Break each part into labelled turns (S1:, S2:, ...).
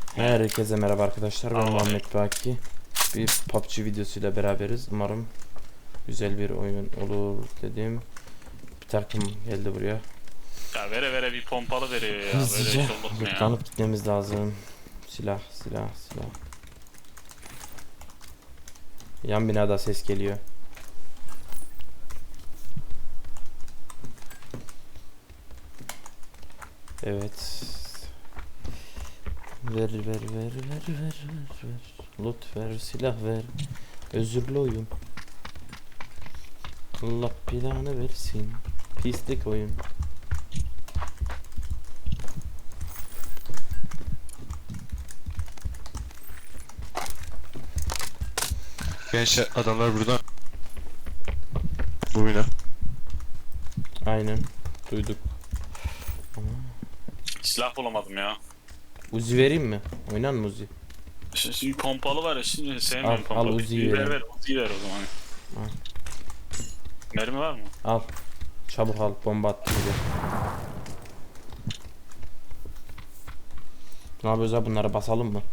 S1: Herkese merhaba arkadaşlar, ben Muhammed Baki. Bir PUBG videosuyla beraberiz. Umarım güzel bir oyun olur dedim. Bir takım geldi buraya.
S2: Ya vere bir pompalı veriyor ya. Böyle
S1: Hızlıca
S2: iş olur mu ya?
S1: lootlanıp gitmemiz lazım. Silah. Yan binada ses geliyor. Evet. Ver. Loot ver, silah ver. Özürlü oyun. Allah planı versin. Pislik oyun.
S3: Gençler adamlar burada. Bu bina.
S1: Aynen. Duyduk.
S2: Silah bulamadım ya.
S1: Uzi vereyim mi? Oynan mı Uzi?
S2: Şimdi pompalı var ya, şimdi sevmiyorum
S1: Al
S2: pompalı.
S1: Uzi'yi
S2: ver
S1: vereyim.
S2: Uzi'yi ver o zaman.
S1: Al.
S2: Mermi var mı?
S1: Al. Çabuk al. Bomba attı bir de. Ne yapıyoruz abi, bunları basalım mı?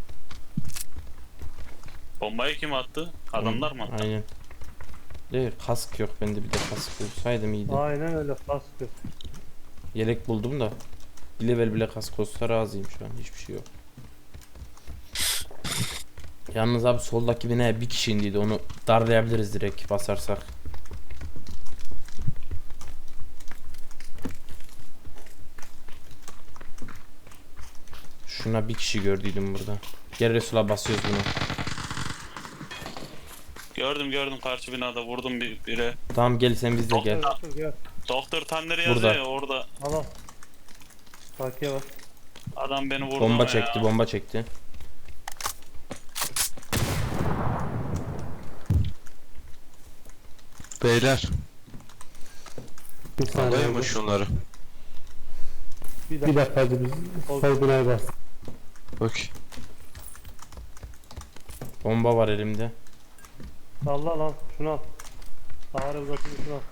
S2: Bombayı kim attı? Adamlar mı attı?
S1: Aynen. Değil, kask yok bende, bir de kask bulsaydım iyiydi.
S4: Aynen öyle kaskı.
S1: Yelek buldum da. Bir level bile kask olsa razıyım şu an, hiçbir şey yok. Yalnız abi soldaki binaya bir kişi indiydi, onu darlayabiliriz direkt basarsak. Şuna bir kişi gördüydüm burada. Gel Resul'a basıyoruz bunu.
S2: Gördüm karşı binada vurdum bire.
S1: Tamam gel sen bizde gel.
S4: Gel.
S2: Doktor Tanner
S1: Burada.
S2: yazıyor ya orada.
S4: Al. Sakiye bak.
S2: Adam beni vurdu
S1: Bomba
S2: ama
S1: çekti,
S2: ya.
S1: bomba çekti.
S3: Beyler.
S4: Bir saniye.
S3: Alayım mı şunları?
S4: Bir dakika hadi biz sol binaya bas.
S3: Bak.
S1: Bomba var elimde.
S4: Allah lan şunu al. Ağrı uzatın şunu al.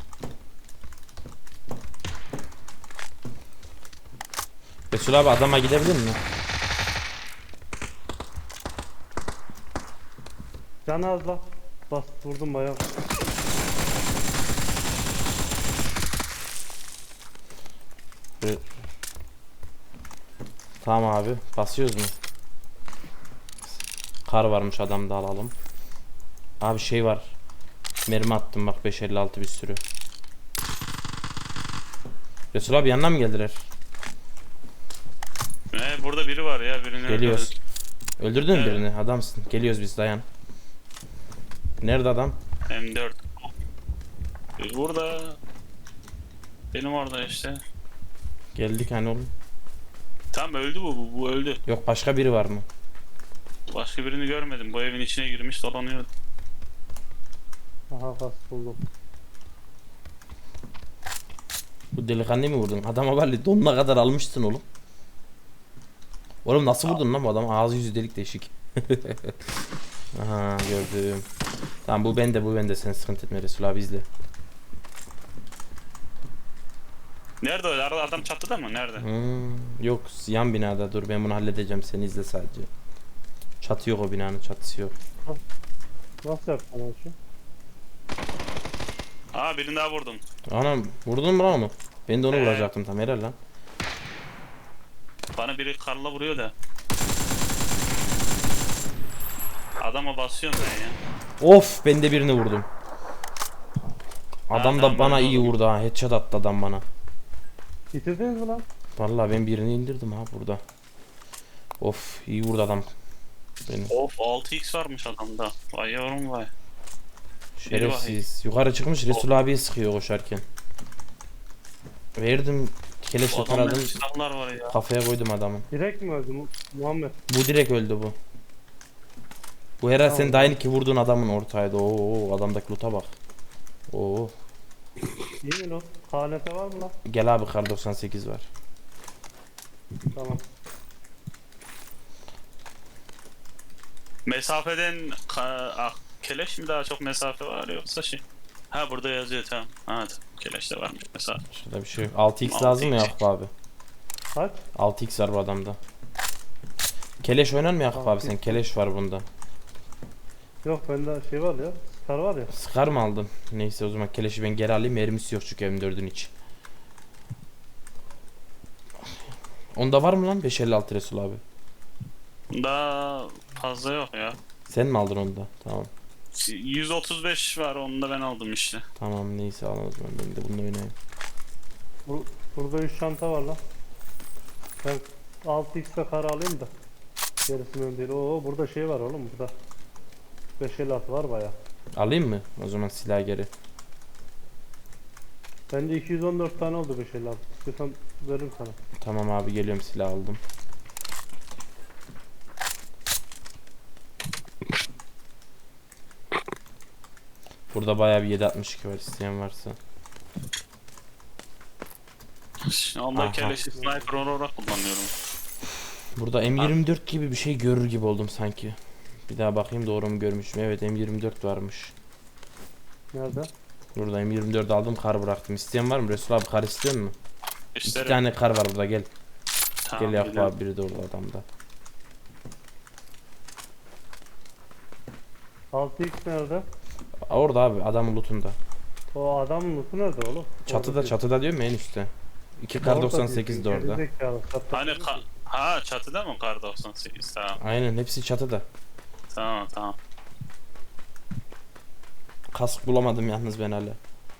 S1: Resul abi adama gidebilir mi?
S4: Canı az bak. Bas vurdum bayağı.
S1: Tamam abi, basıyoruz mu? Kar varmış adamda, alalım. Abi şey var. Mermi attım bak, 556 bir sürü. Resul abi yanına mı geldiler?
S2: Burada biri var ya, birini
S1: Geliyoruz. Öldürdün mü
S2: Evet.
S1: birini? Adamsın. Geliyoruz biz, dayan. Nerede adam?
S2: M4. Burada. Benim orada işte.
S1: Geldik hani oğlum.
S2: Tam öldü bu öldü.
S1: Yok, başka biri var mı?
S2: Başka birini görmedim. Bu evin içine girmiş dolanıyor.
S4: Aha kask buldum.
S1: Bu delikanlıyı mı vurdun? Adama vallahi donuna kadar almışsın oğlum. Oğlum nasıl vurdun lan bu adam? Ağzı yüzü delik deşik. Aha, gördüm. Tamam, bu bende sen sıkıntı etme Resul abi, izle.
S2: Nerede o? Adam çatıda mı? Nerede?
S1: Yok, yan binada, dur ben bunu halledeceğim, sen izle sadece. Çatı yok, o binanın çatısı yok.
S4: Nasıl yaptın lan şu?
S2: Aa, birini daha vurdum.
S1: Anam, vurdun mu lan onu? Ben de onu
S2: Evet.
S1: vuracaktım tam, helal lan.
S2: Bana biri karla vuruyor da. Adama basıyorum ben ya.
S1: Of, ben de birini vurdum. Adam da
S2: tamam,
S1: bana
S2: ben
S1: iyi
S2: vurdum.
S1: vurdu ha, headshot attı adam bana.
S4: Bitirdiniz mi lan?
S1: Vallahi ben birini indirdim ha burada. Of, iyi vurdu adam. Benim.
S2: Of, 6x varmış adamda. Vay yavrum vay.
S1: Şerefsiz. Yukarı çıkmış, Resul abiye sıkıyor koşarken. Verdim. Keleşle
S2: Adamda
S1: taradım.
S2: silahlar var ya.
S1: Kafaya koydum adamın.
S4: Direkt mi öldü Muhammed?
S1: Bu direkt öldü bu. Bu herhalde
S4: Tamam.
S1: senin daha ki vurduğun adamın ortağıydı. Oo, adamdaki loot'a bak. Oo.
S4: İyi mi lan? KNT var mı lan?
S1: Gel abi, kar 98 var.
S4: Tamam.
S2: Mesafeden keleş mi daha çok mesafe var yoksa şey? Ha, burada yazıyor, tamam. Ha, keleş de varmış mesafe.
S1: Şurada bir şey yok. 6x lazım mı
S2: 6x.
S1: Yakup abi?
S4: Kaç?
S1: 6x var bu adamda. Keleş oynar mı Yakup abi sen? Keleş var bunda.
S4: Yok bende şey var ya. Star var ya.
S1: Sıkar mı aldın? Neyse o zaman keleşi ben geri alayım. Mermisi yok çünkü M4'ün içi. Onda var mı lan 556 Resul abi?
S2: Daha fazla yok ya.
S1: Sen mi aldın onu da? Tamam.
S2: 135 var, onu da ben aldım işte.
S1: Tamam neyse al o zaman ben de bununla oynayayım.
S4: Burada 3 çanta var lan. Ben 6x'e kar alayım da. Gerisinden değil. Oo burada şey var oğlum burada. 556 var baya.
S1: Alayım mı? O zaman silah geri.
S4: Bende 214 tane oldu 556. İstiyorsan veririm sana.
S1: Tamam abi geliyorum silah aldım. Burada bayağı bir 762 var isteyen varsa.
S2: Onda
S1: Aha.
S2: keleşi sniper olarak kullanıyorum.
S1: Burada M24 gibi bir şey görür gibi oldum sanki. Bir daha bakayım doğru mu görmüşüm. Evet M24 varmış.
S4: Nerede?
S1: Burada M24 aldım kar bıraktım. İsteyen var mı? Resul abi kar istiyor mu? İki
S2: İsterim.
S1: tane kar var burada gel.
S2: Tamam,
S1: Gel Yakup
S2: biliyorum.
S1: abi biri de orada adamda.
S4: 6x nerede?
S1: Orada abi adamın lootunda.
S4: O adamın lootu nerede oğlum?
S1: Çatıda çatıda diyorum ya en üstte. 2 kar 98 de orada.
S2: Hani ha çatıda mı kar 98? Tamam.
S1: Aynen hepsi çatıda.
S2: Tamam tamam.
S1: Kask bulamadım yalnız ben hala.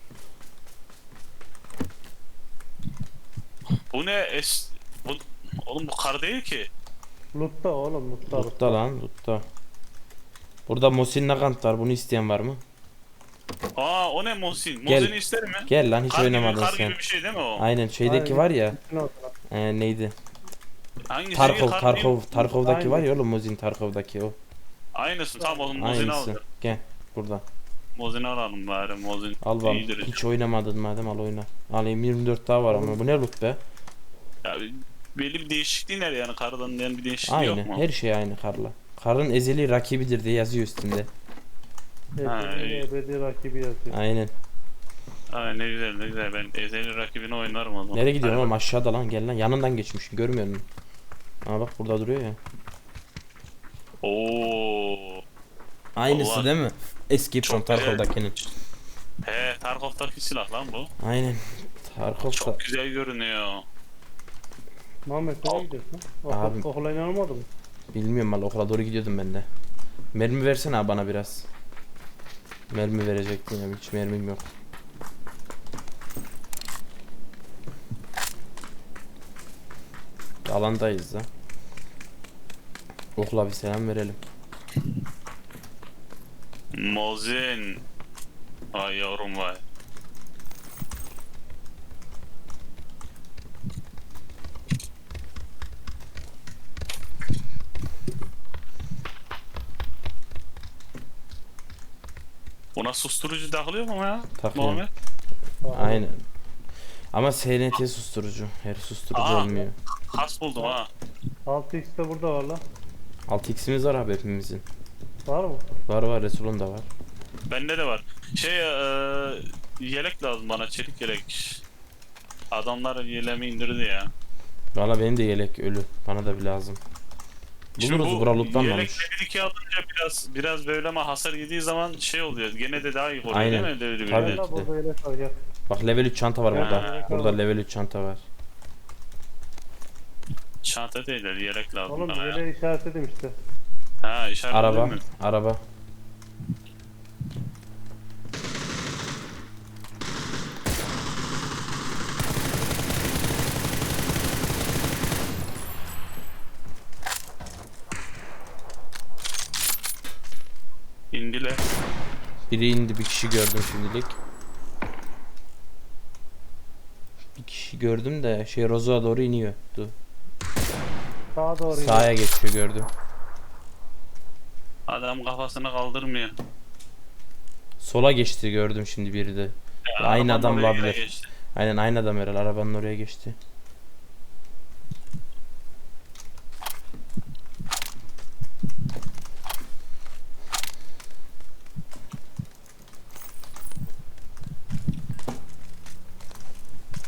S2: Bu ne bu oğlum bu kar değil ki.
S4: Lootta oğlum lootta.
S1: Lootta lan lootta. Burada Mosin Nagant var bunu isteyen var mı?
S2: Aa o ne Mosin?
S1: Gel.
S2: Mosin'i ister mi?
S1: Gel lan hiç
S2: Kar gibi,
S1: oynamadın
S2: kar
S1: sen.
S2: gibi bir şey değil mi o?
S1: Aynen şeydeki
S4: Aynen.
S1: var ya.
S4: Ne oldu lan?
S1: Neydi?
S2: Hangisi?
S1: Tarkov
S2: Kar değil.
S1: Tarkov'daki
S4: Aynen.
S1: var ya oğlum Mosin Tarkov'daki o.
S2: Aynısı tamam oğlum Mosin'i
S1: Aynısı.
S2: aldım.
S1: Gel burada.
S2: Mosin'i alalım bari Mosin.
S1: Al bak.
S2: iyidir.
S1: Hiç oynamadın madem al oyna. Alayım 24 daha var ama bu ne loot be?
S2: Ya, belli bir değişikliği nerede yani kardan yani bir değişikliği yok
S1: Aynı.
S2: mu?
S1: Her şey aynı karla. Karın ezeli rakibidir diye yazıyor üstünde.
S2: Ha, iyi.
S4: Ebedi rakibi yazıyor.
S1: Aynen.
S2: Aa, ne güzel ne güzel, ben ezeli rakibini oynarım o zaman.
S1: Nereye gidiyorsun
S2: Hadi
S1: oğlum aşağıda lan gel lan yanından geçmişim görmüyor musun? Aa bak burada duruyor ya.
S2: bak. Oo.
S1: Aynısı
S2: Allah.
S1: değil mi? Escape from
S2: Çok güzel.
S1: Tarkov'dakinin.
S2: He Tarkov'daki silah lan bu.
S1: Aynen. Tarkov'da.
S2: Çok güzel görünüyor.
S4: Muhammed nereye gidiyorsun?
S1: Abim.
S4: Okula inanılmadı mı?
S1: Bilmiyorum valla okula doğru gidiyordum ben de. Mermi versene abi bana biraz. Mermi verecektin ya hiç mermim yok. Alandayız da. Okula bir selam verelim.
S2: Mosin. Vay yavrum vay. Buna susturucu takılıyor mu ya?
S1: Takıyorum.
S2: Muhammed?
S1: Aynen. Ama SNT susturucu. Her susturucu
S2: Aa.
S1: olmuyor.
S2: Kas buldum ha.
S4: 6x de burada var lan.
S1: 6x'imiz var abi hepimizin.
S4: Var mı?
S1: Var var Resul'un da var.
S2: Bende de var. Yelek lazım bana, çelik yelek. Adamlar yelemi indirdi ya.
S1: Valla benim de yelek ölü. Bana da bir lazım.
S2: Şimdi
S1: Buluruz
S2: bu
S1: bura lootlanmamış.
S2: yelek level 2 alınca biraz böyle ama hasar yediği zaman şey oluyor. Gene de daha iyi oluyor
S1: Aynen.
S2: değil mi? Level
S1: Tabii.
S2: 1'de?
S4: Gel lan
S1: ki de.
S4: burada yelek var gel.
S1: Bak level 3 çanta var burada.
S2: Ha.
S1: Burada level 3 çanta var.
S2: Çanta değil de yelek lazım
S4: Oğlum
S2: bana ya.
S4: yeleği işaretledim işte.
S2: Ha işaret
S1: Araba.
S2: mi?
S1: Araba.
S2: İndiler.
S1: Biri indi bir kişi gördüm şimdilik. Bir kişi gördüm de şey Rozo'ya doğru iniyor. Dur.
S4: Sağa doğru
S1: Sağa geçiyor gördüm.
S2: Adam kafasını kaldırmıyor.
S1: Sola geçti gördüm şimdi biri de.
S2: Ya,
S1: Aynı
S2: arabanın
S1: adam
S2: oraya
S1: olabilir.
S2: geçti.
S1: Aynen aynı adam herhalde arabanın oraya geçti.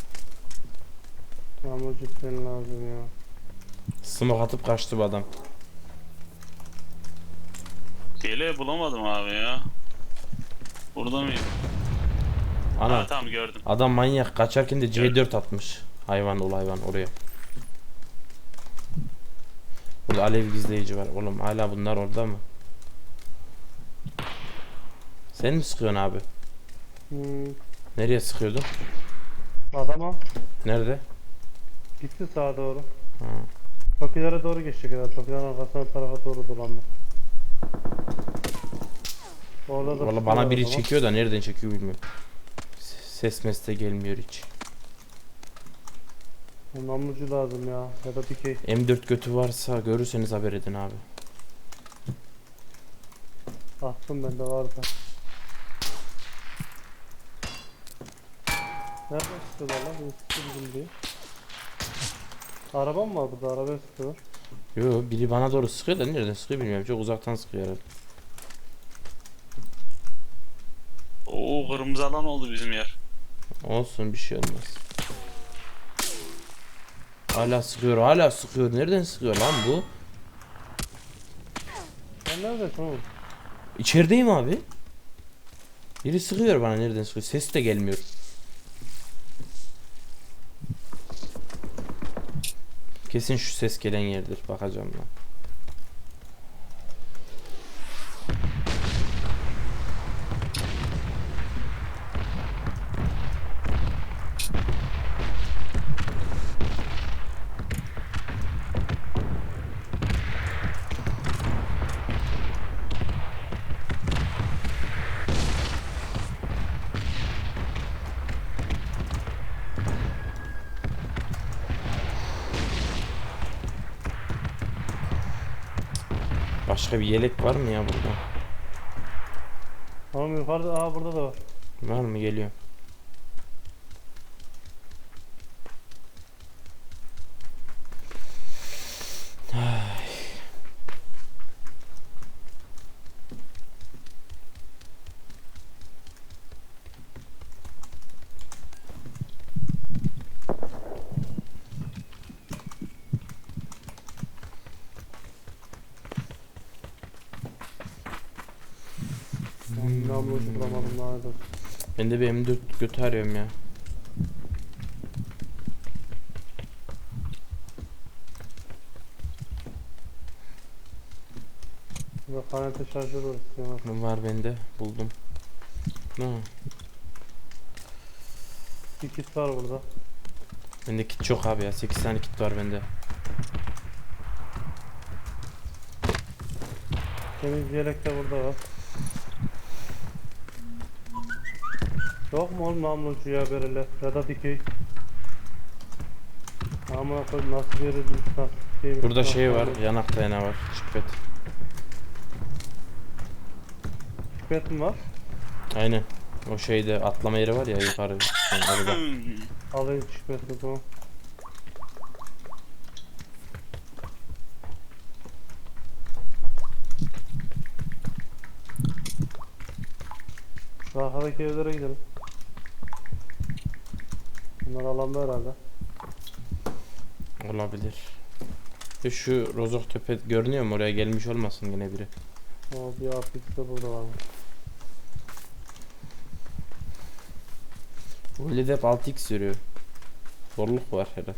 S4: Tamam o cidden lazım ya.
S1: Smoke atıp kaçtı bu adam.
S2: Yeleği bulamadım abi ya. Burada mıyım?
S1: Ana
S2: Ha tamam gördüm.
S1: adam manyak kaçarken de C4 atmış. Hayvan ol hayvan oraya. Burada alev gizleyici var. Oğlum hala bunlar orada mı? Sen mi sıkıyorsun abi?
S4: Hmm,
S1: Nereye sıkıyordun?
S4: adama
S1: Nerede?
S4: gitti sağa doğru.
S1: Ha.
S4: Tokilere doğru geçecek herhalde. Tokilerin arkasına tarafa doğru dolandı. Orada da
S1: Valla bana biri
S4: sıkıyorlar
S1: çekiyor da nereden çekiyor bilmiyorum. Ses mesle gelmiyor hiç.
S4: ama. Namlucu lazım ya. Ya da dikey.
S1: M4 götü varsa görürseniz haber edin abi.
S4: Attım bende vardı. Nerede sıkıyorlar lan? Bir sıkıyor diye. Araba mı var burada? Arabaya sıkıyorlar.
S1: Yo biri bana doğru sıkıyor da nereden sıkıyor bilmiyorum. Çok uzaktan sıkıyor herhalde.
S2: Oo kırmızı alan oldu bizim yer.
S1: Olsun bir şey olmaz. Hala sıkıyor hala sıkıyor. Nereden sıkıyor lan bu?
S4: Sen neredesin oğlum?
S1: İçerideyim abi. Biri sıkıyor bana nereden sıkıyor. Ses de gelmiyor. Kesin şu ses gelen yerdir. Bakacağım lan. Başka bir yelek var mı ya burada?
S4: Oğlum yukarıda, aa burada da var.
S1: Var mı? Geliyor.
S4: Namlucu bulamadım daha da.
S1: Ben de bir M4 götü arıyorum ya.
S4: Burada kanete şarjör var istiyorlar.
S1: Var bende. Buldum. Ha.
S4: Bir kit var burada.
S1: Bende kit çok abi ya. 8 tane kit var bende.
S4: Temiz yelek de burada var. Yok mu oğlum namlucu ya böyle ya da dikey. Amına koyayım nasıl bir yere düştü.
S1: Burada şey var. Yanak dayanağı var. Şipet.
S4: Pipet mi var?
S1: Aynen. O şeyde atlama yeri var ya yukarı. Yani orada.
S4: Alayım pipeti tamam. Şu arkadaki evlere gidelim. Bunlar alanda herhalde.
S1: Olabilir. Şu rozok tepe görünüyor mu? Oraya gelmiş olmasın yine biri.
S4: O bir aplik de burada var.
S1: Bu öyle de hep 6x sürüyor. Zorluk var herhalde.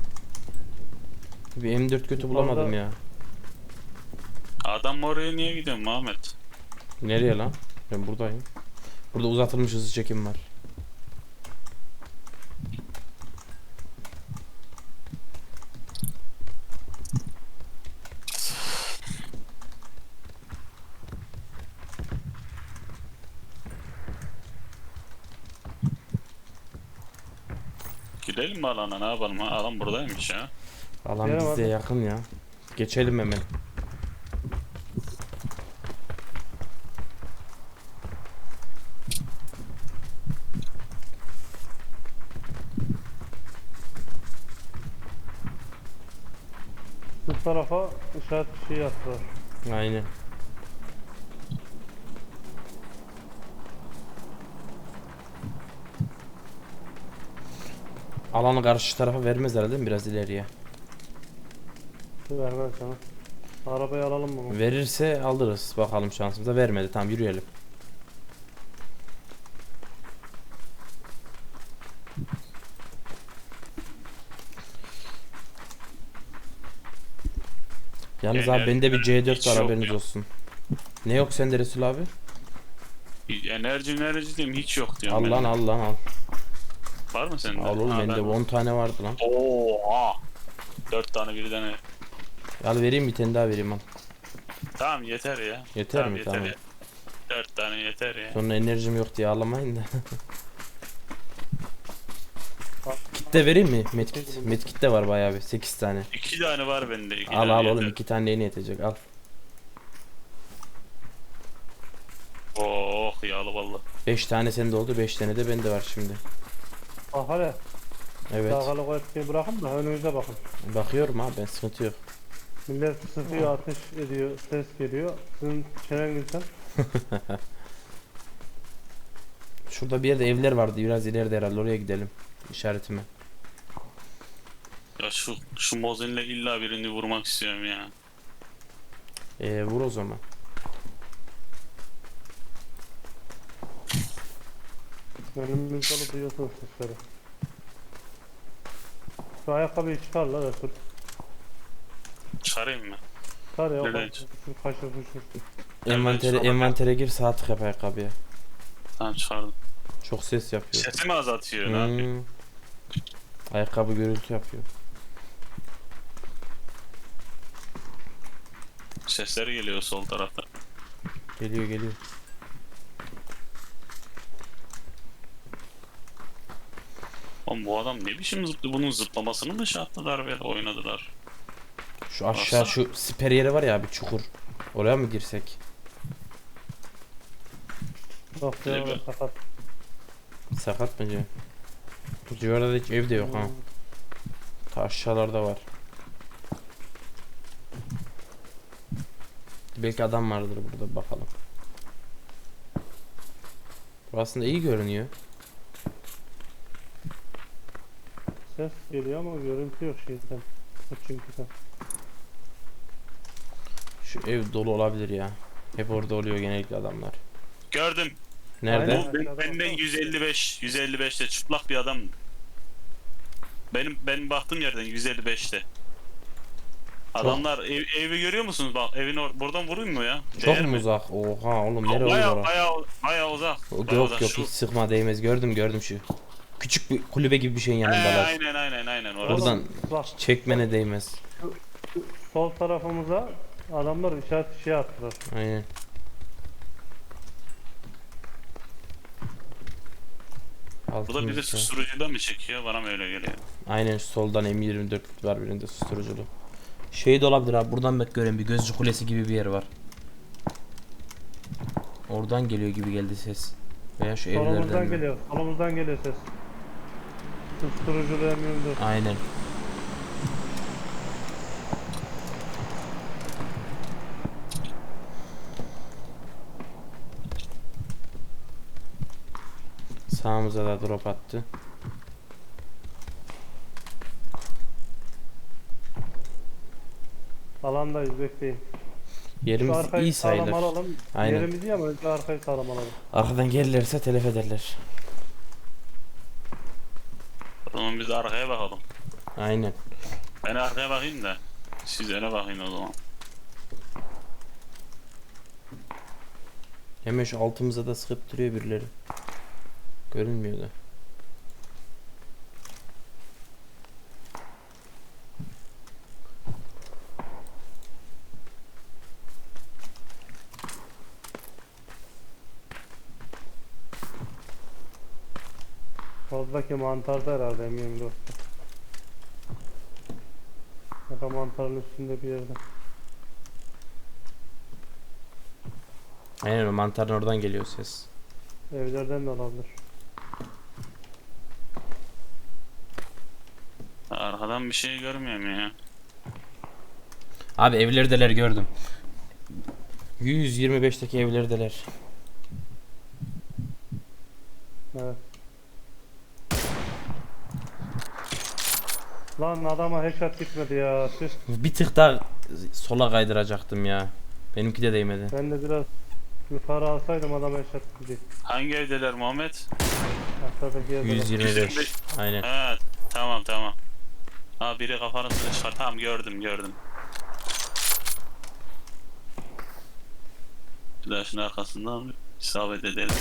S1: Bir M4 kötü bulamadım ya.
S2: Adam oraya niye gidiyor Muhammed?
S1: Nereye lan? Ben buradayım. Burada uzatılmış hızlı çekim var.
S2: Gidelim mi alana ne yapalım ha? Alan buradaymış ya.
S1: Alan
S4: Gel
S1: bize
S4: abi.
S1: yakın ya. Geçelim hemen.
S4: Bu tarafa işaret bir şey yaptılar.
S1: Aynen. Alanı karşı tarafa vermez herhalde değil mi? Biraz ileriye.
S4: Vermez canım. Arabayı alalım mı?
S1: Verirse alırız. Bakalım şansımıza. Vermedi. Tamam yürüyelim. Yalnız abi bende bir C4
S2: Hiç
S1: var,
S2: yok
S1: haberiniz
S2: ya.
S1: olsun. Ne yok sende Resul abi?
S2: Enerji diyeyim hiç yok diyorum
S1: Al
S2: ben
S1: lan
S2: de.
S1: al lan al.
S2: Var mı sende?
S1: Al oğlum
S2: Ha,
S1: bende
S2: ben-
S1: 10 tane vardı lan.
S2: Oha. 4 tane birden.
S1: Al vereyim, bir tane daha vereyim al.
S2: Tamam yeter ya.
S1: Yeter
S2: Tamam,
S1: mi?
S2: yeter
S1: Tamam.
S2: ya. 4 tane yeter ya.
S1: Sonra enerjim yok diye ağlamayın da. Kit de vereyim mi? Medkit. Medkit de var bayağı bir. 8 tane.
S2: 2 tane var bende. İki
S1: Al
S2: tane
S1: al oğlum,
S2: yeter.
S1: 2 tane neyine yetecek, al.
S2: Oh yağlı valla.
S1: 5 tane sende oldu, 5 tane de bende var şimdi.
S4: Bak hele.
S1: Evet.
S4: Dağgalı koyup bırakın da önünüze bakın.
S1: Bakıyorum abi, ben sıkıntı yok.
S4: Millet sıkıyor, ateş ediyor, ses geliyor. Sizin çenenizden.
S1: Şurada bir yerde evler vardı, biraz ileride herhalde, oraya gidelim. İşaretime.
S2: Ya şu Mozin'le illa birini vurmak istiyorum ya.
S1: Vur o zaman.
S4: Önümüz dolu, duyuyorsunuz sesleri. Şu ayakkabıyı çıkar la Resul.
S2: Çıkarayım mı?
S4: Çıkar ya.
S2: Nereden
S4: Bak,
S2: çık-
S4: şu kaşır kuşur.
S1: Envantere gir, sağ tık yap ayakkabıya.
S2: Tamam çıkardım.
S1: Çok ses yapıyor.
S2: Sesimi azaltıyor ne yapayım?
S1: Hmm. Ayakkabı gürültü yapıyor.
S2: Sesleri geliyor sol tarafta.
S1: Geliyor geliyor.
S2: Oğlum bu adam ne biçim zıplıyor? Bunun zıplamasını mı şey yaptılar ve oynadılar?
S1: Şu aşağı, şu siper yeri var ya abi, çukur. Oraya mı girsek?
S4: Bak ya,
S2: Değil mi?
S4: sakat.
S1: Sakat mı diyor? Bu civarda da hiç ev de yok ha. Ta aşağılarda var. Belki adam vardır burada, bakalım. Bu aslında iyi görünüyor.
S4: Ses geliyor ama görüntü yok şeyden. Çünkü
S1: Şu ev dolu olabilir ya. Hep orada oluyor genellikle adamlar.
S2: Gördüm.
S1: Nerede?
S4: Aynen.
S2: Bu benden 155'te çıplak bir adam. Benim baktığım yerden 155'te. Adamlar evi görüyor musunuz? Bak evin buradan vurayım mı ya?
S1: Çok
S2: Değer
S1: mu
S2: mi?
S1: uzak? Oha oğlum, nereye olur
S2: Baya
S1: orası?
S2: baya uzak.
S1: Yok
S2: Bayağı
S1: yok
S2: uzak.
S1: yok, hiç sıkma, değmez. Gördüm şu. Küçük bir kulübe gibi bir şeyin yanındalar.
S2: Aynen orası.
S1: Buradan
S4: bak
S1: çekmene değmez.
S4: sol tarafımıza adamlar işaret şey attılar.
S1: Aynen.
S2: Bu da bir de
S1: Altımızda.
S2: susturucudan mı çekiyor? Bana mı öyle geliyor?
S1: Aynen, şu soldan M24 var, birinde susturuculu. Şey de olabilir abi, buradan bak, gören bir gözcü kulesi gibi bir yer var. Oradan geliyor gibi geldi ses. Veya şu evlerden
S4: Solumuzdan
S1: mi?
S4: geliyor. Solumuzdan geliyor ses. Susturuculu M24.
S1: Aynen. Sağımıza da drop attı.
S4: Alandayız, bekleyin. Şu
S1: Yerimiz
S4: arkayı
S1: iyi
S4: sağlam
S1: sayılır.
S4: alalım.
S1: Aynen.
S4: Yerimiz iyi ama önce arkayı sağlam alalım.
S1: Arkadan gelirlerse telef ederler.
S2: O zaman biz de arkaya bakalım.
S1: Aynen.
S2: Ben arkaya bakayım da. Siz öne bakın o zaman.
S1: Hemen şu altımıza da sıkıp duruyor birileri. Görünmüyor da.
S4: Soldaki mantarda herhalde M24. Ya da mantarın üstünde bir yerde.
S1: Aynen, o mantarın oradan geliyor ses.
S4: Evlerden de olabilir.
S2: Arkadan bir şey görmüyorum ya.
S1: Abi evlerdeler, gördüm. 125'teki evlerdeler.
S4: Evet. Lan adama headshot gitmedi ya. Tüh.
S1: Bir tık daha sola kaydıracaktım ya. Benimki de değmedi.
S4: Ben de biraz yukarı alsaydım adam eşat gidecek.
S2: Hangi evdeler Muhammed?
S4: Aşağıdaki yerde.
S1: 125. Aynen.
S2: Ha tamam tamam. Ha biri kafanı çıkar. Tamam gördüm. Bir daha şunun arkasından isabet edelim.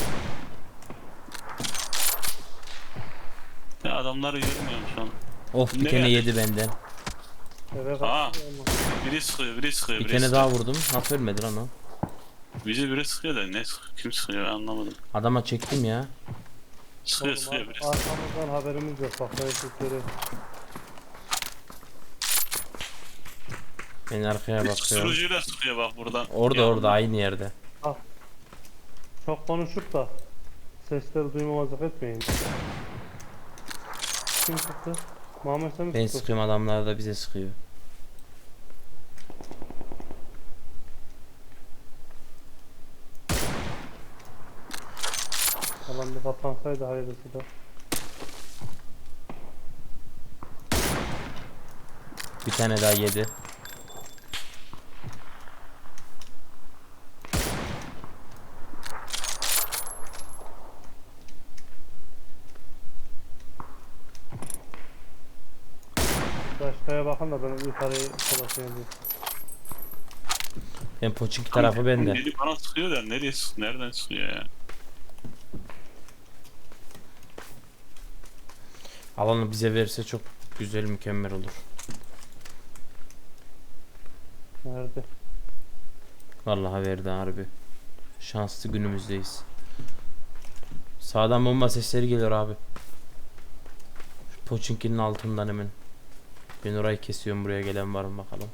S2: Ya adamları görmüyorum şu an.
S1: Of bir
S2: Ne
S1: tane
S2: geldi?
S1: yedi benden.
S4: Eve
S2: Aa.
S4: kaçtı
S2: Biri sıkıyor.
S1: Bir tane daha vurdum. Nasıl ölmedi lan o?
S2: Bizi biri sıkıyor da ne sıkıyor? Kim sıkıyor ben anlamadım.
S1: Adama çektim ya.
S2: Sıkıyor biri.
S4: Arkamızdan haberimiz yok. Bak ben Türkleri.
S1: Ben arkaya bakıyorum.
S2: Sürücüyle sıkıyor bak buradan.
S1: Orada aynı yerde.
S4: Çok konuşup da sesleri duymamazlık etmeyin. Kim sıktı? Muhammed sen mi
S1: Ben
S4: sıktın?
S1: sıkıyorum, adamlar da bize sıkıyor.
S4: Alan bir kapansaydı hayırlısı da.
S1: Bir tane daha yedi.
S4: Aşağıya bakın da ben yukarıyı dolaşayım diye.
S1: Ben Poçinki tarafı bende.
S2: Biri bana sıkıyor da nereye sıkıyor? Nereden sıkıyor ya?
S1: Alanı bize verirse çok güzel, mükemmel olur.
S4: Nerede?
S1: Vallahi verdi harbi. Şanslı günümüzdeyiz. Sağdan bomba sesleri geliyor abi. Şu Poçinki'nin altından hemen. Ben orayı kesiyorum, buraya gelen var mı bakalım.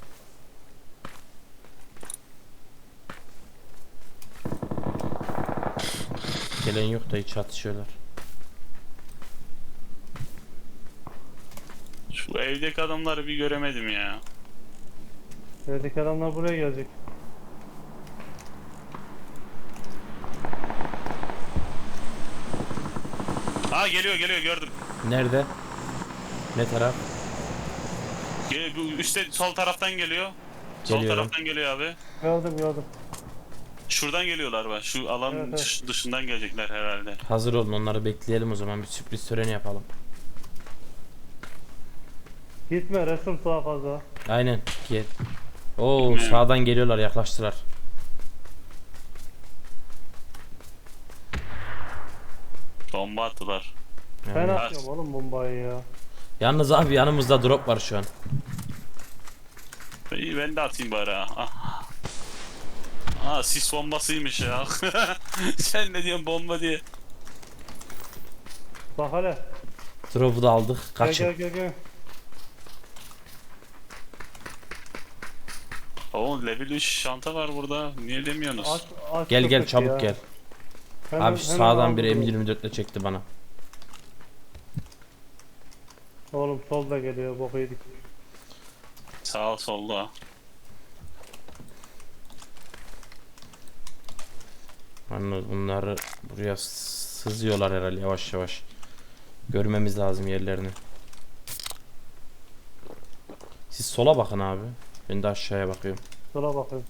S1: Gelen yok da hiç atışıyorlar.
S2: Şu evdeki adamları bir göremedim ya.
S4: Evdeki adamlar buraya gelecek.
S2: Ha geliyor gördüm.
S1: Nerede? Ne taraf?
S2: Bu üstte sol taraftan geliyor. Sol
S1: Geliyorum.
S2: taraftan geliyor abi.
S4: Gördüm.
S2: Şuradan geliyorlar bak. Şu alanın
S4: Evet.
S2: dışından gelecekler herhalde.
S1: Hazır olun, onları bekleyelim o zaman, bir sürpriz töreni yapalım.
S4: Gitme resim daha fazla.
S1: Aynen. Gel. Oo,
S2: Gitmiyor.
S1: sağdan geliyorlar, yaklaştılar.
S2: Bomba attılar.
S4: Ben
S1: Yani.
S4: atıyorum oğlum bombayı ya.
S1: Yalnız abi yanımızda drop var şu an.
S2: İyi ben de atayım bari ha. Ah. Aa sis bombasıymış ya. Sen ne diyorsun bomba diye.
S4: Bak hele.
S1: Drop'u da aldık.
S4: Gel
S1: Kaçın.
S4: gel.
S2: Oğlum level 3 şanta var burada. Niye demiyorsunuz?
S4: Aç
S1: Gel
S4: köpek
S1: çabuk
S4: ya.
S1: gel.
S4: Hemen-
S1: Abi şu
S4: hemen
S1: sağdan
S4: aldım
S1: bir
S4: bunu.
S1: M24 ile çekti bana.
S4: Oğlum solda geliyor boku yedik.
S2: Sağ ol solda.
S1: Anladım, bunları buraya sızıyorlar herhalde yavaş yavaş. Görmemiz lazım yerlerini. Siz sola bakın abi. Ben de aşağıya bakıyorum.
S4: Sola bakıyorum.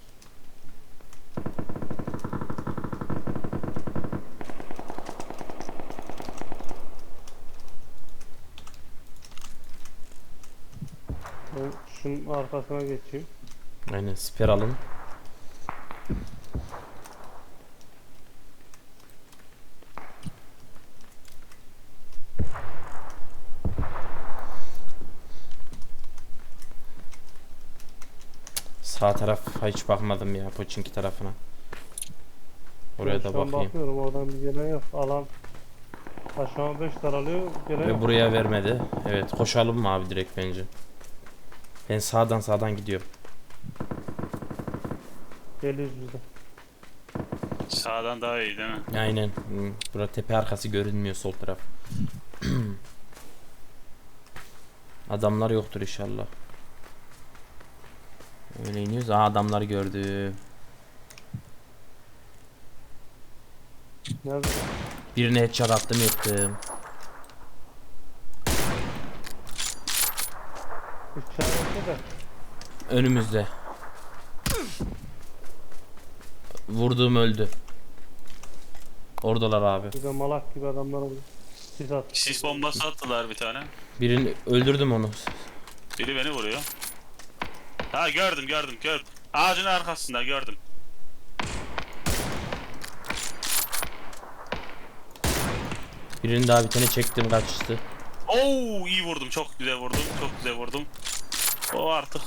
S4: Ben şunun arkasına geçeyim.
S1: Aynen, siper alın. Sağ tarafa hiç bakmadım ya, Poçinki tarafına. Oraya
S4: Ben
S1: da
S4: şu an
S1: bakayım.
S4: bakıyorum oradan bir gelen yok. Alan aşağı 5 daralıyor. Gelen
S1: Ve
S4: yok.
S1: buraya vermedi. Evet, koşalım mı abi direkt bence? Ben sağdan gidiyorum.
S4: Geliyoruz biz de.
S2: Sağdan daha iyi değil mi?
S1: Aynen. Burada tepe arkası görünmüyor, sol taraf. Adamlar yoktur inşallah. Öyle iniyoruz. Aa, adamları gördüm.
S4: Nerede?
S1: Birine headshot attım, yıktım.
S4: İşareti de.
S1: Önümüzde. Vurduğum öldü. Oradalar abi.
S4: Bir de malak gibi adamlar oluyor. Sis at.
S2: Sis bombası attılar bir tane.
S1: Birini öldürdüm onu.
S2: Biri beni vuruyor. Ha gördüm. Ağacın arkasında gördüm.
S1: Birini daha bir tane çektim kaçtı.
S2: Oo iyi vurdum. Çok güzel vurdum. O artık.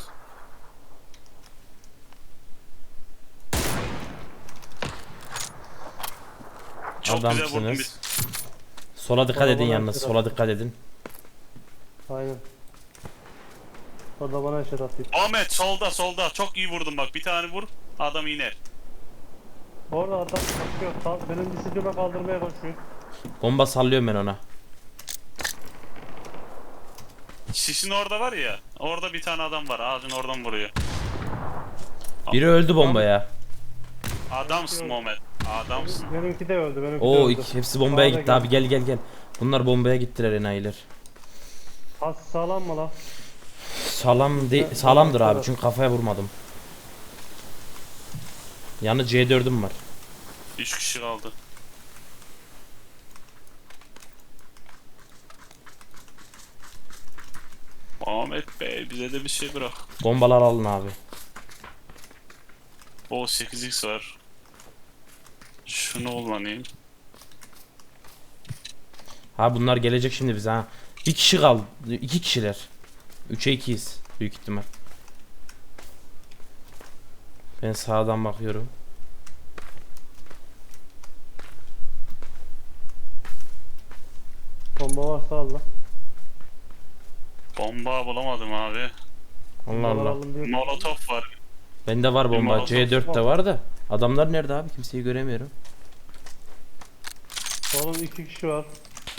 S2: Çok güzel vurdum
S1: Adamsınız.
S2: biz.
S1: Sola dikkat
S4: Bana
S1: edin
S4: bana
S1: yalnız.
S4: sıra.
S1: Sola dikkat edin.
S4: Aynen. O da bana eşit atıyor.
S2: Ahmet solda. Çok iyi vurdum bak. Bir tane vur. Adam iner.
S4: Orada adam koşuyor. Benim düşürdüğüme kaldırmaya koşuyor.
S1: Bomba sallıyorum ben ona.
S2: Sisin orada var ya. Orada bir tane adam var. Ağacın oradan vuruyor.
S1: Biri öldü bombaya.
S2: Adamsın Ahmet. Adamsın.
S4: Benimki de öldü. Benimki de
S1: Oo
S4: öldü.
S1: hepsi bombaya
S4: Sağda
S1: gitti abi, gel. Bunlar bombaya gittiler enayiler.
S4: Pas sağlam mı lan?
S1: Sağlamdır abi
S4: Evet.
S1: çünkü kafaya vurmadım. Yanı C4'üm var.
S2: 3 kişi kaldı. Ahmet Bey bize de bir şey bırak.
S1: Bombalar alın abi.
S2: O 8x var. Şunu kullanayım.
S1: Ha bunlar gelecek şimdi bize ha. Bir kişi kaldı. 2 kişiler. 3'e 2'yiz büyük ihtimal. Ben sağdan bakıyorum.
S4: Bomba varsa al lan.
S2: Bomba bulamadım abi.
S1: Allah
S4: Bombalar
S1: Allah.
S4: alın diyor.
S2: Molotof var.
S1: Bende var bomba.
S2: Molotof
S1: C4'te var da. Adamlar nerede abi? Kimseyi göremiyorum.
S4: Oğlum 2 kişi var.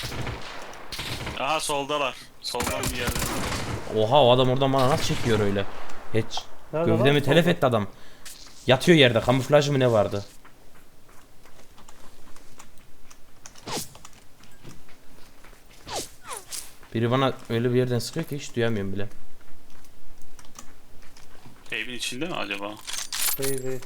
S2: Aha soldalar. Soldan bir yerde.
S1: Oha, o adam oradan bana nasıl çekiyor öyle? Hiç.
S4: Nerede
S1: Gövdemi
S4: lan?
S1: telef etti adam. Yatıyor yerde. Kamuflaj mı ne vardı? Biri bana öyle bir yerden sıkıyor ki hiç duyamıyorum bile.
S2: Evin içinde mi acaba?
S4: Değil.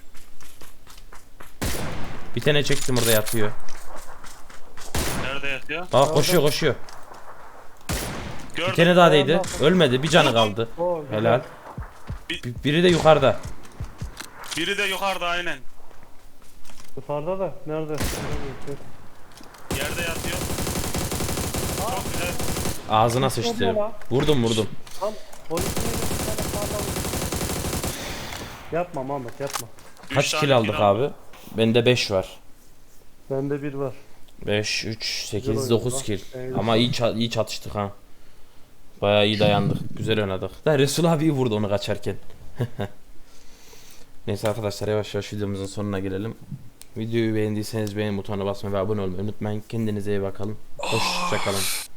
S1: Bir tane çektim, orada yatıyor.
S2: Nerede yatıyor?
S1: Bak koşuyor.
S2: Gördüm.
S1: Bir tane daha değdi. Ölmedi. Bir canı kaldı.
S4: Oo, güzel.
S1: Helal. Biri de yukarıda.
S2: Biri de yukarıda aynen.
S4: Yukarıda da. Nerede?
S2: Yerde yatıyor. Çok güzel.
S1: Ağzına sıçtı.
S4: Bomba.
S1: Vurdum.
S4: Tam polisin bir tane sağlam. Yapma Mahmut yapma.
S1: Kaç
S2: Üç
S1: kill
S2: tane
S1: aldık
S2: kill
S1: abi? Bende 5 var.
S4: Bende bir var.
S1: 5, 3, 8,
S4: oynadı
S1: 9
S4: lan.
S1: kill.
S4: Evet.
S1: Ama iyi çatıştık ha. Bayağı iyi dayandık. Güzel oynadık. Da Resul abi vurdu onu kaçarken. Neyse arkadaşlar, yavaş yavaş videomuzun sonuna gelelim. Videoyu beğendiyseniz beğen butonuna basmayı ve abone olmayı unutmayın. Kendinize iyi bakalım. Hoşçakalın.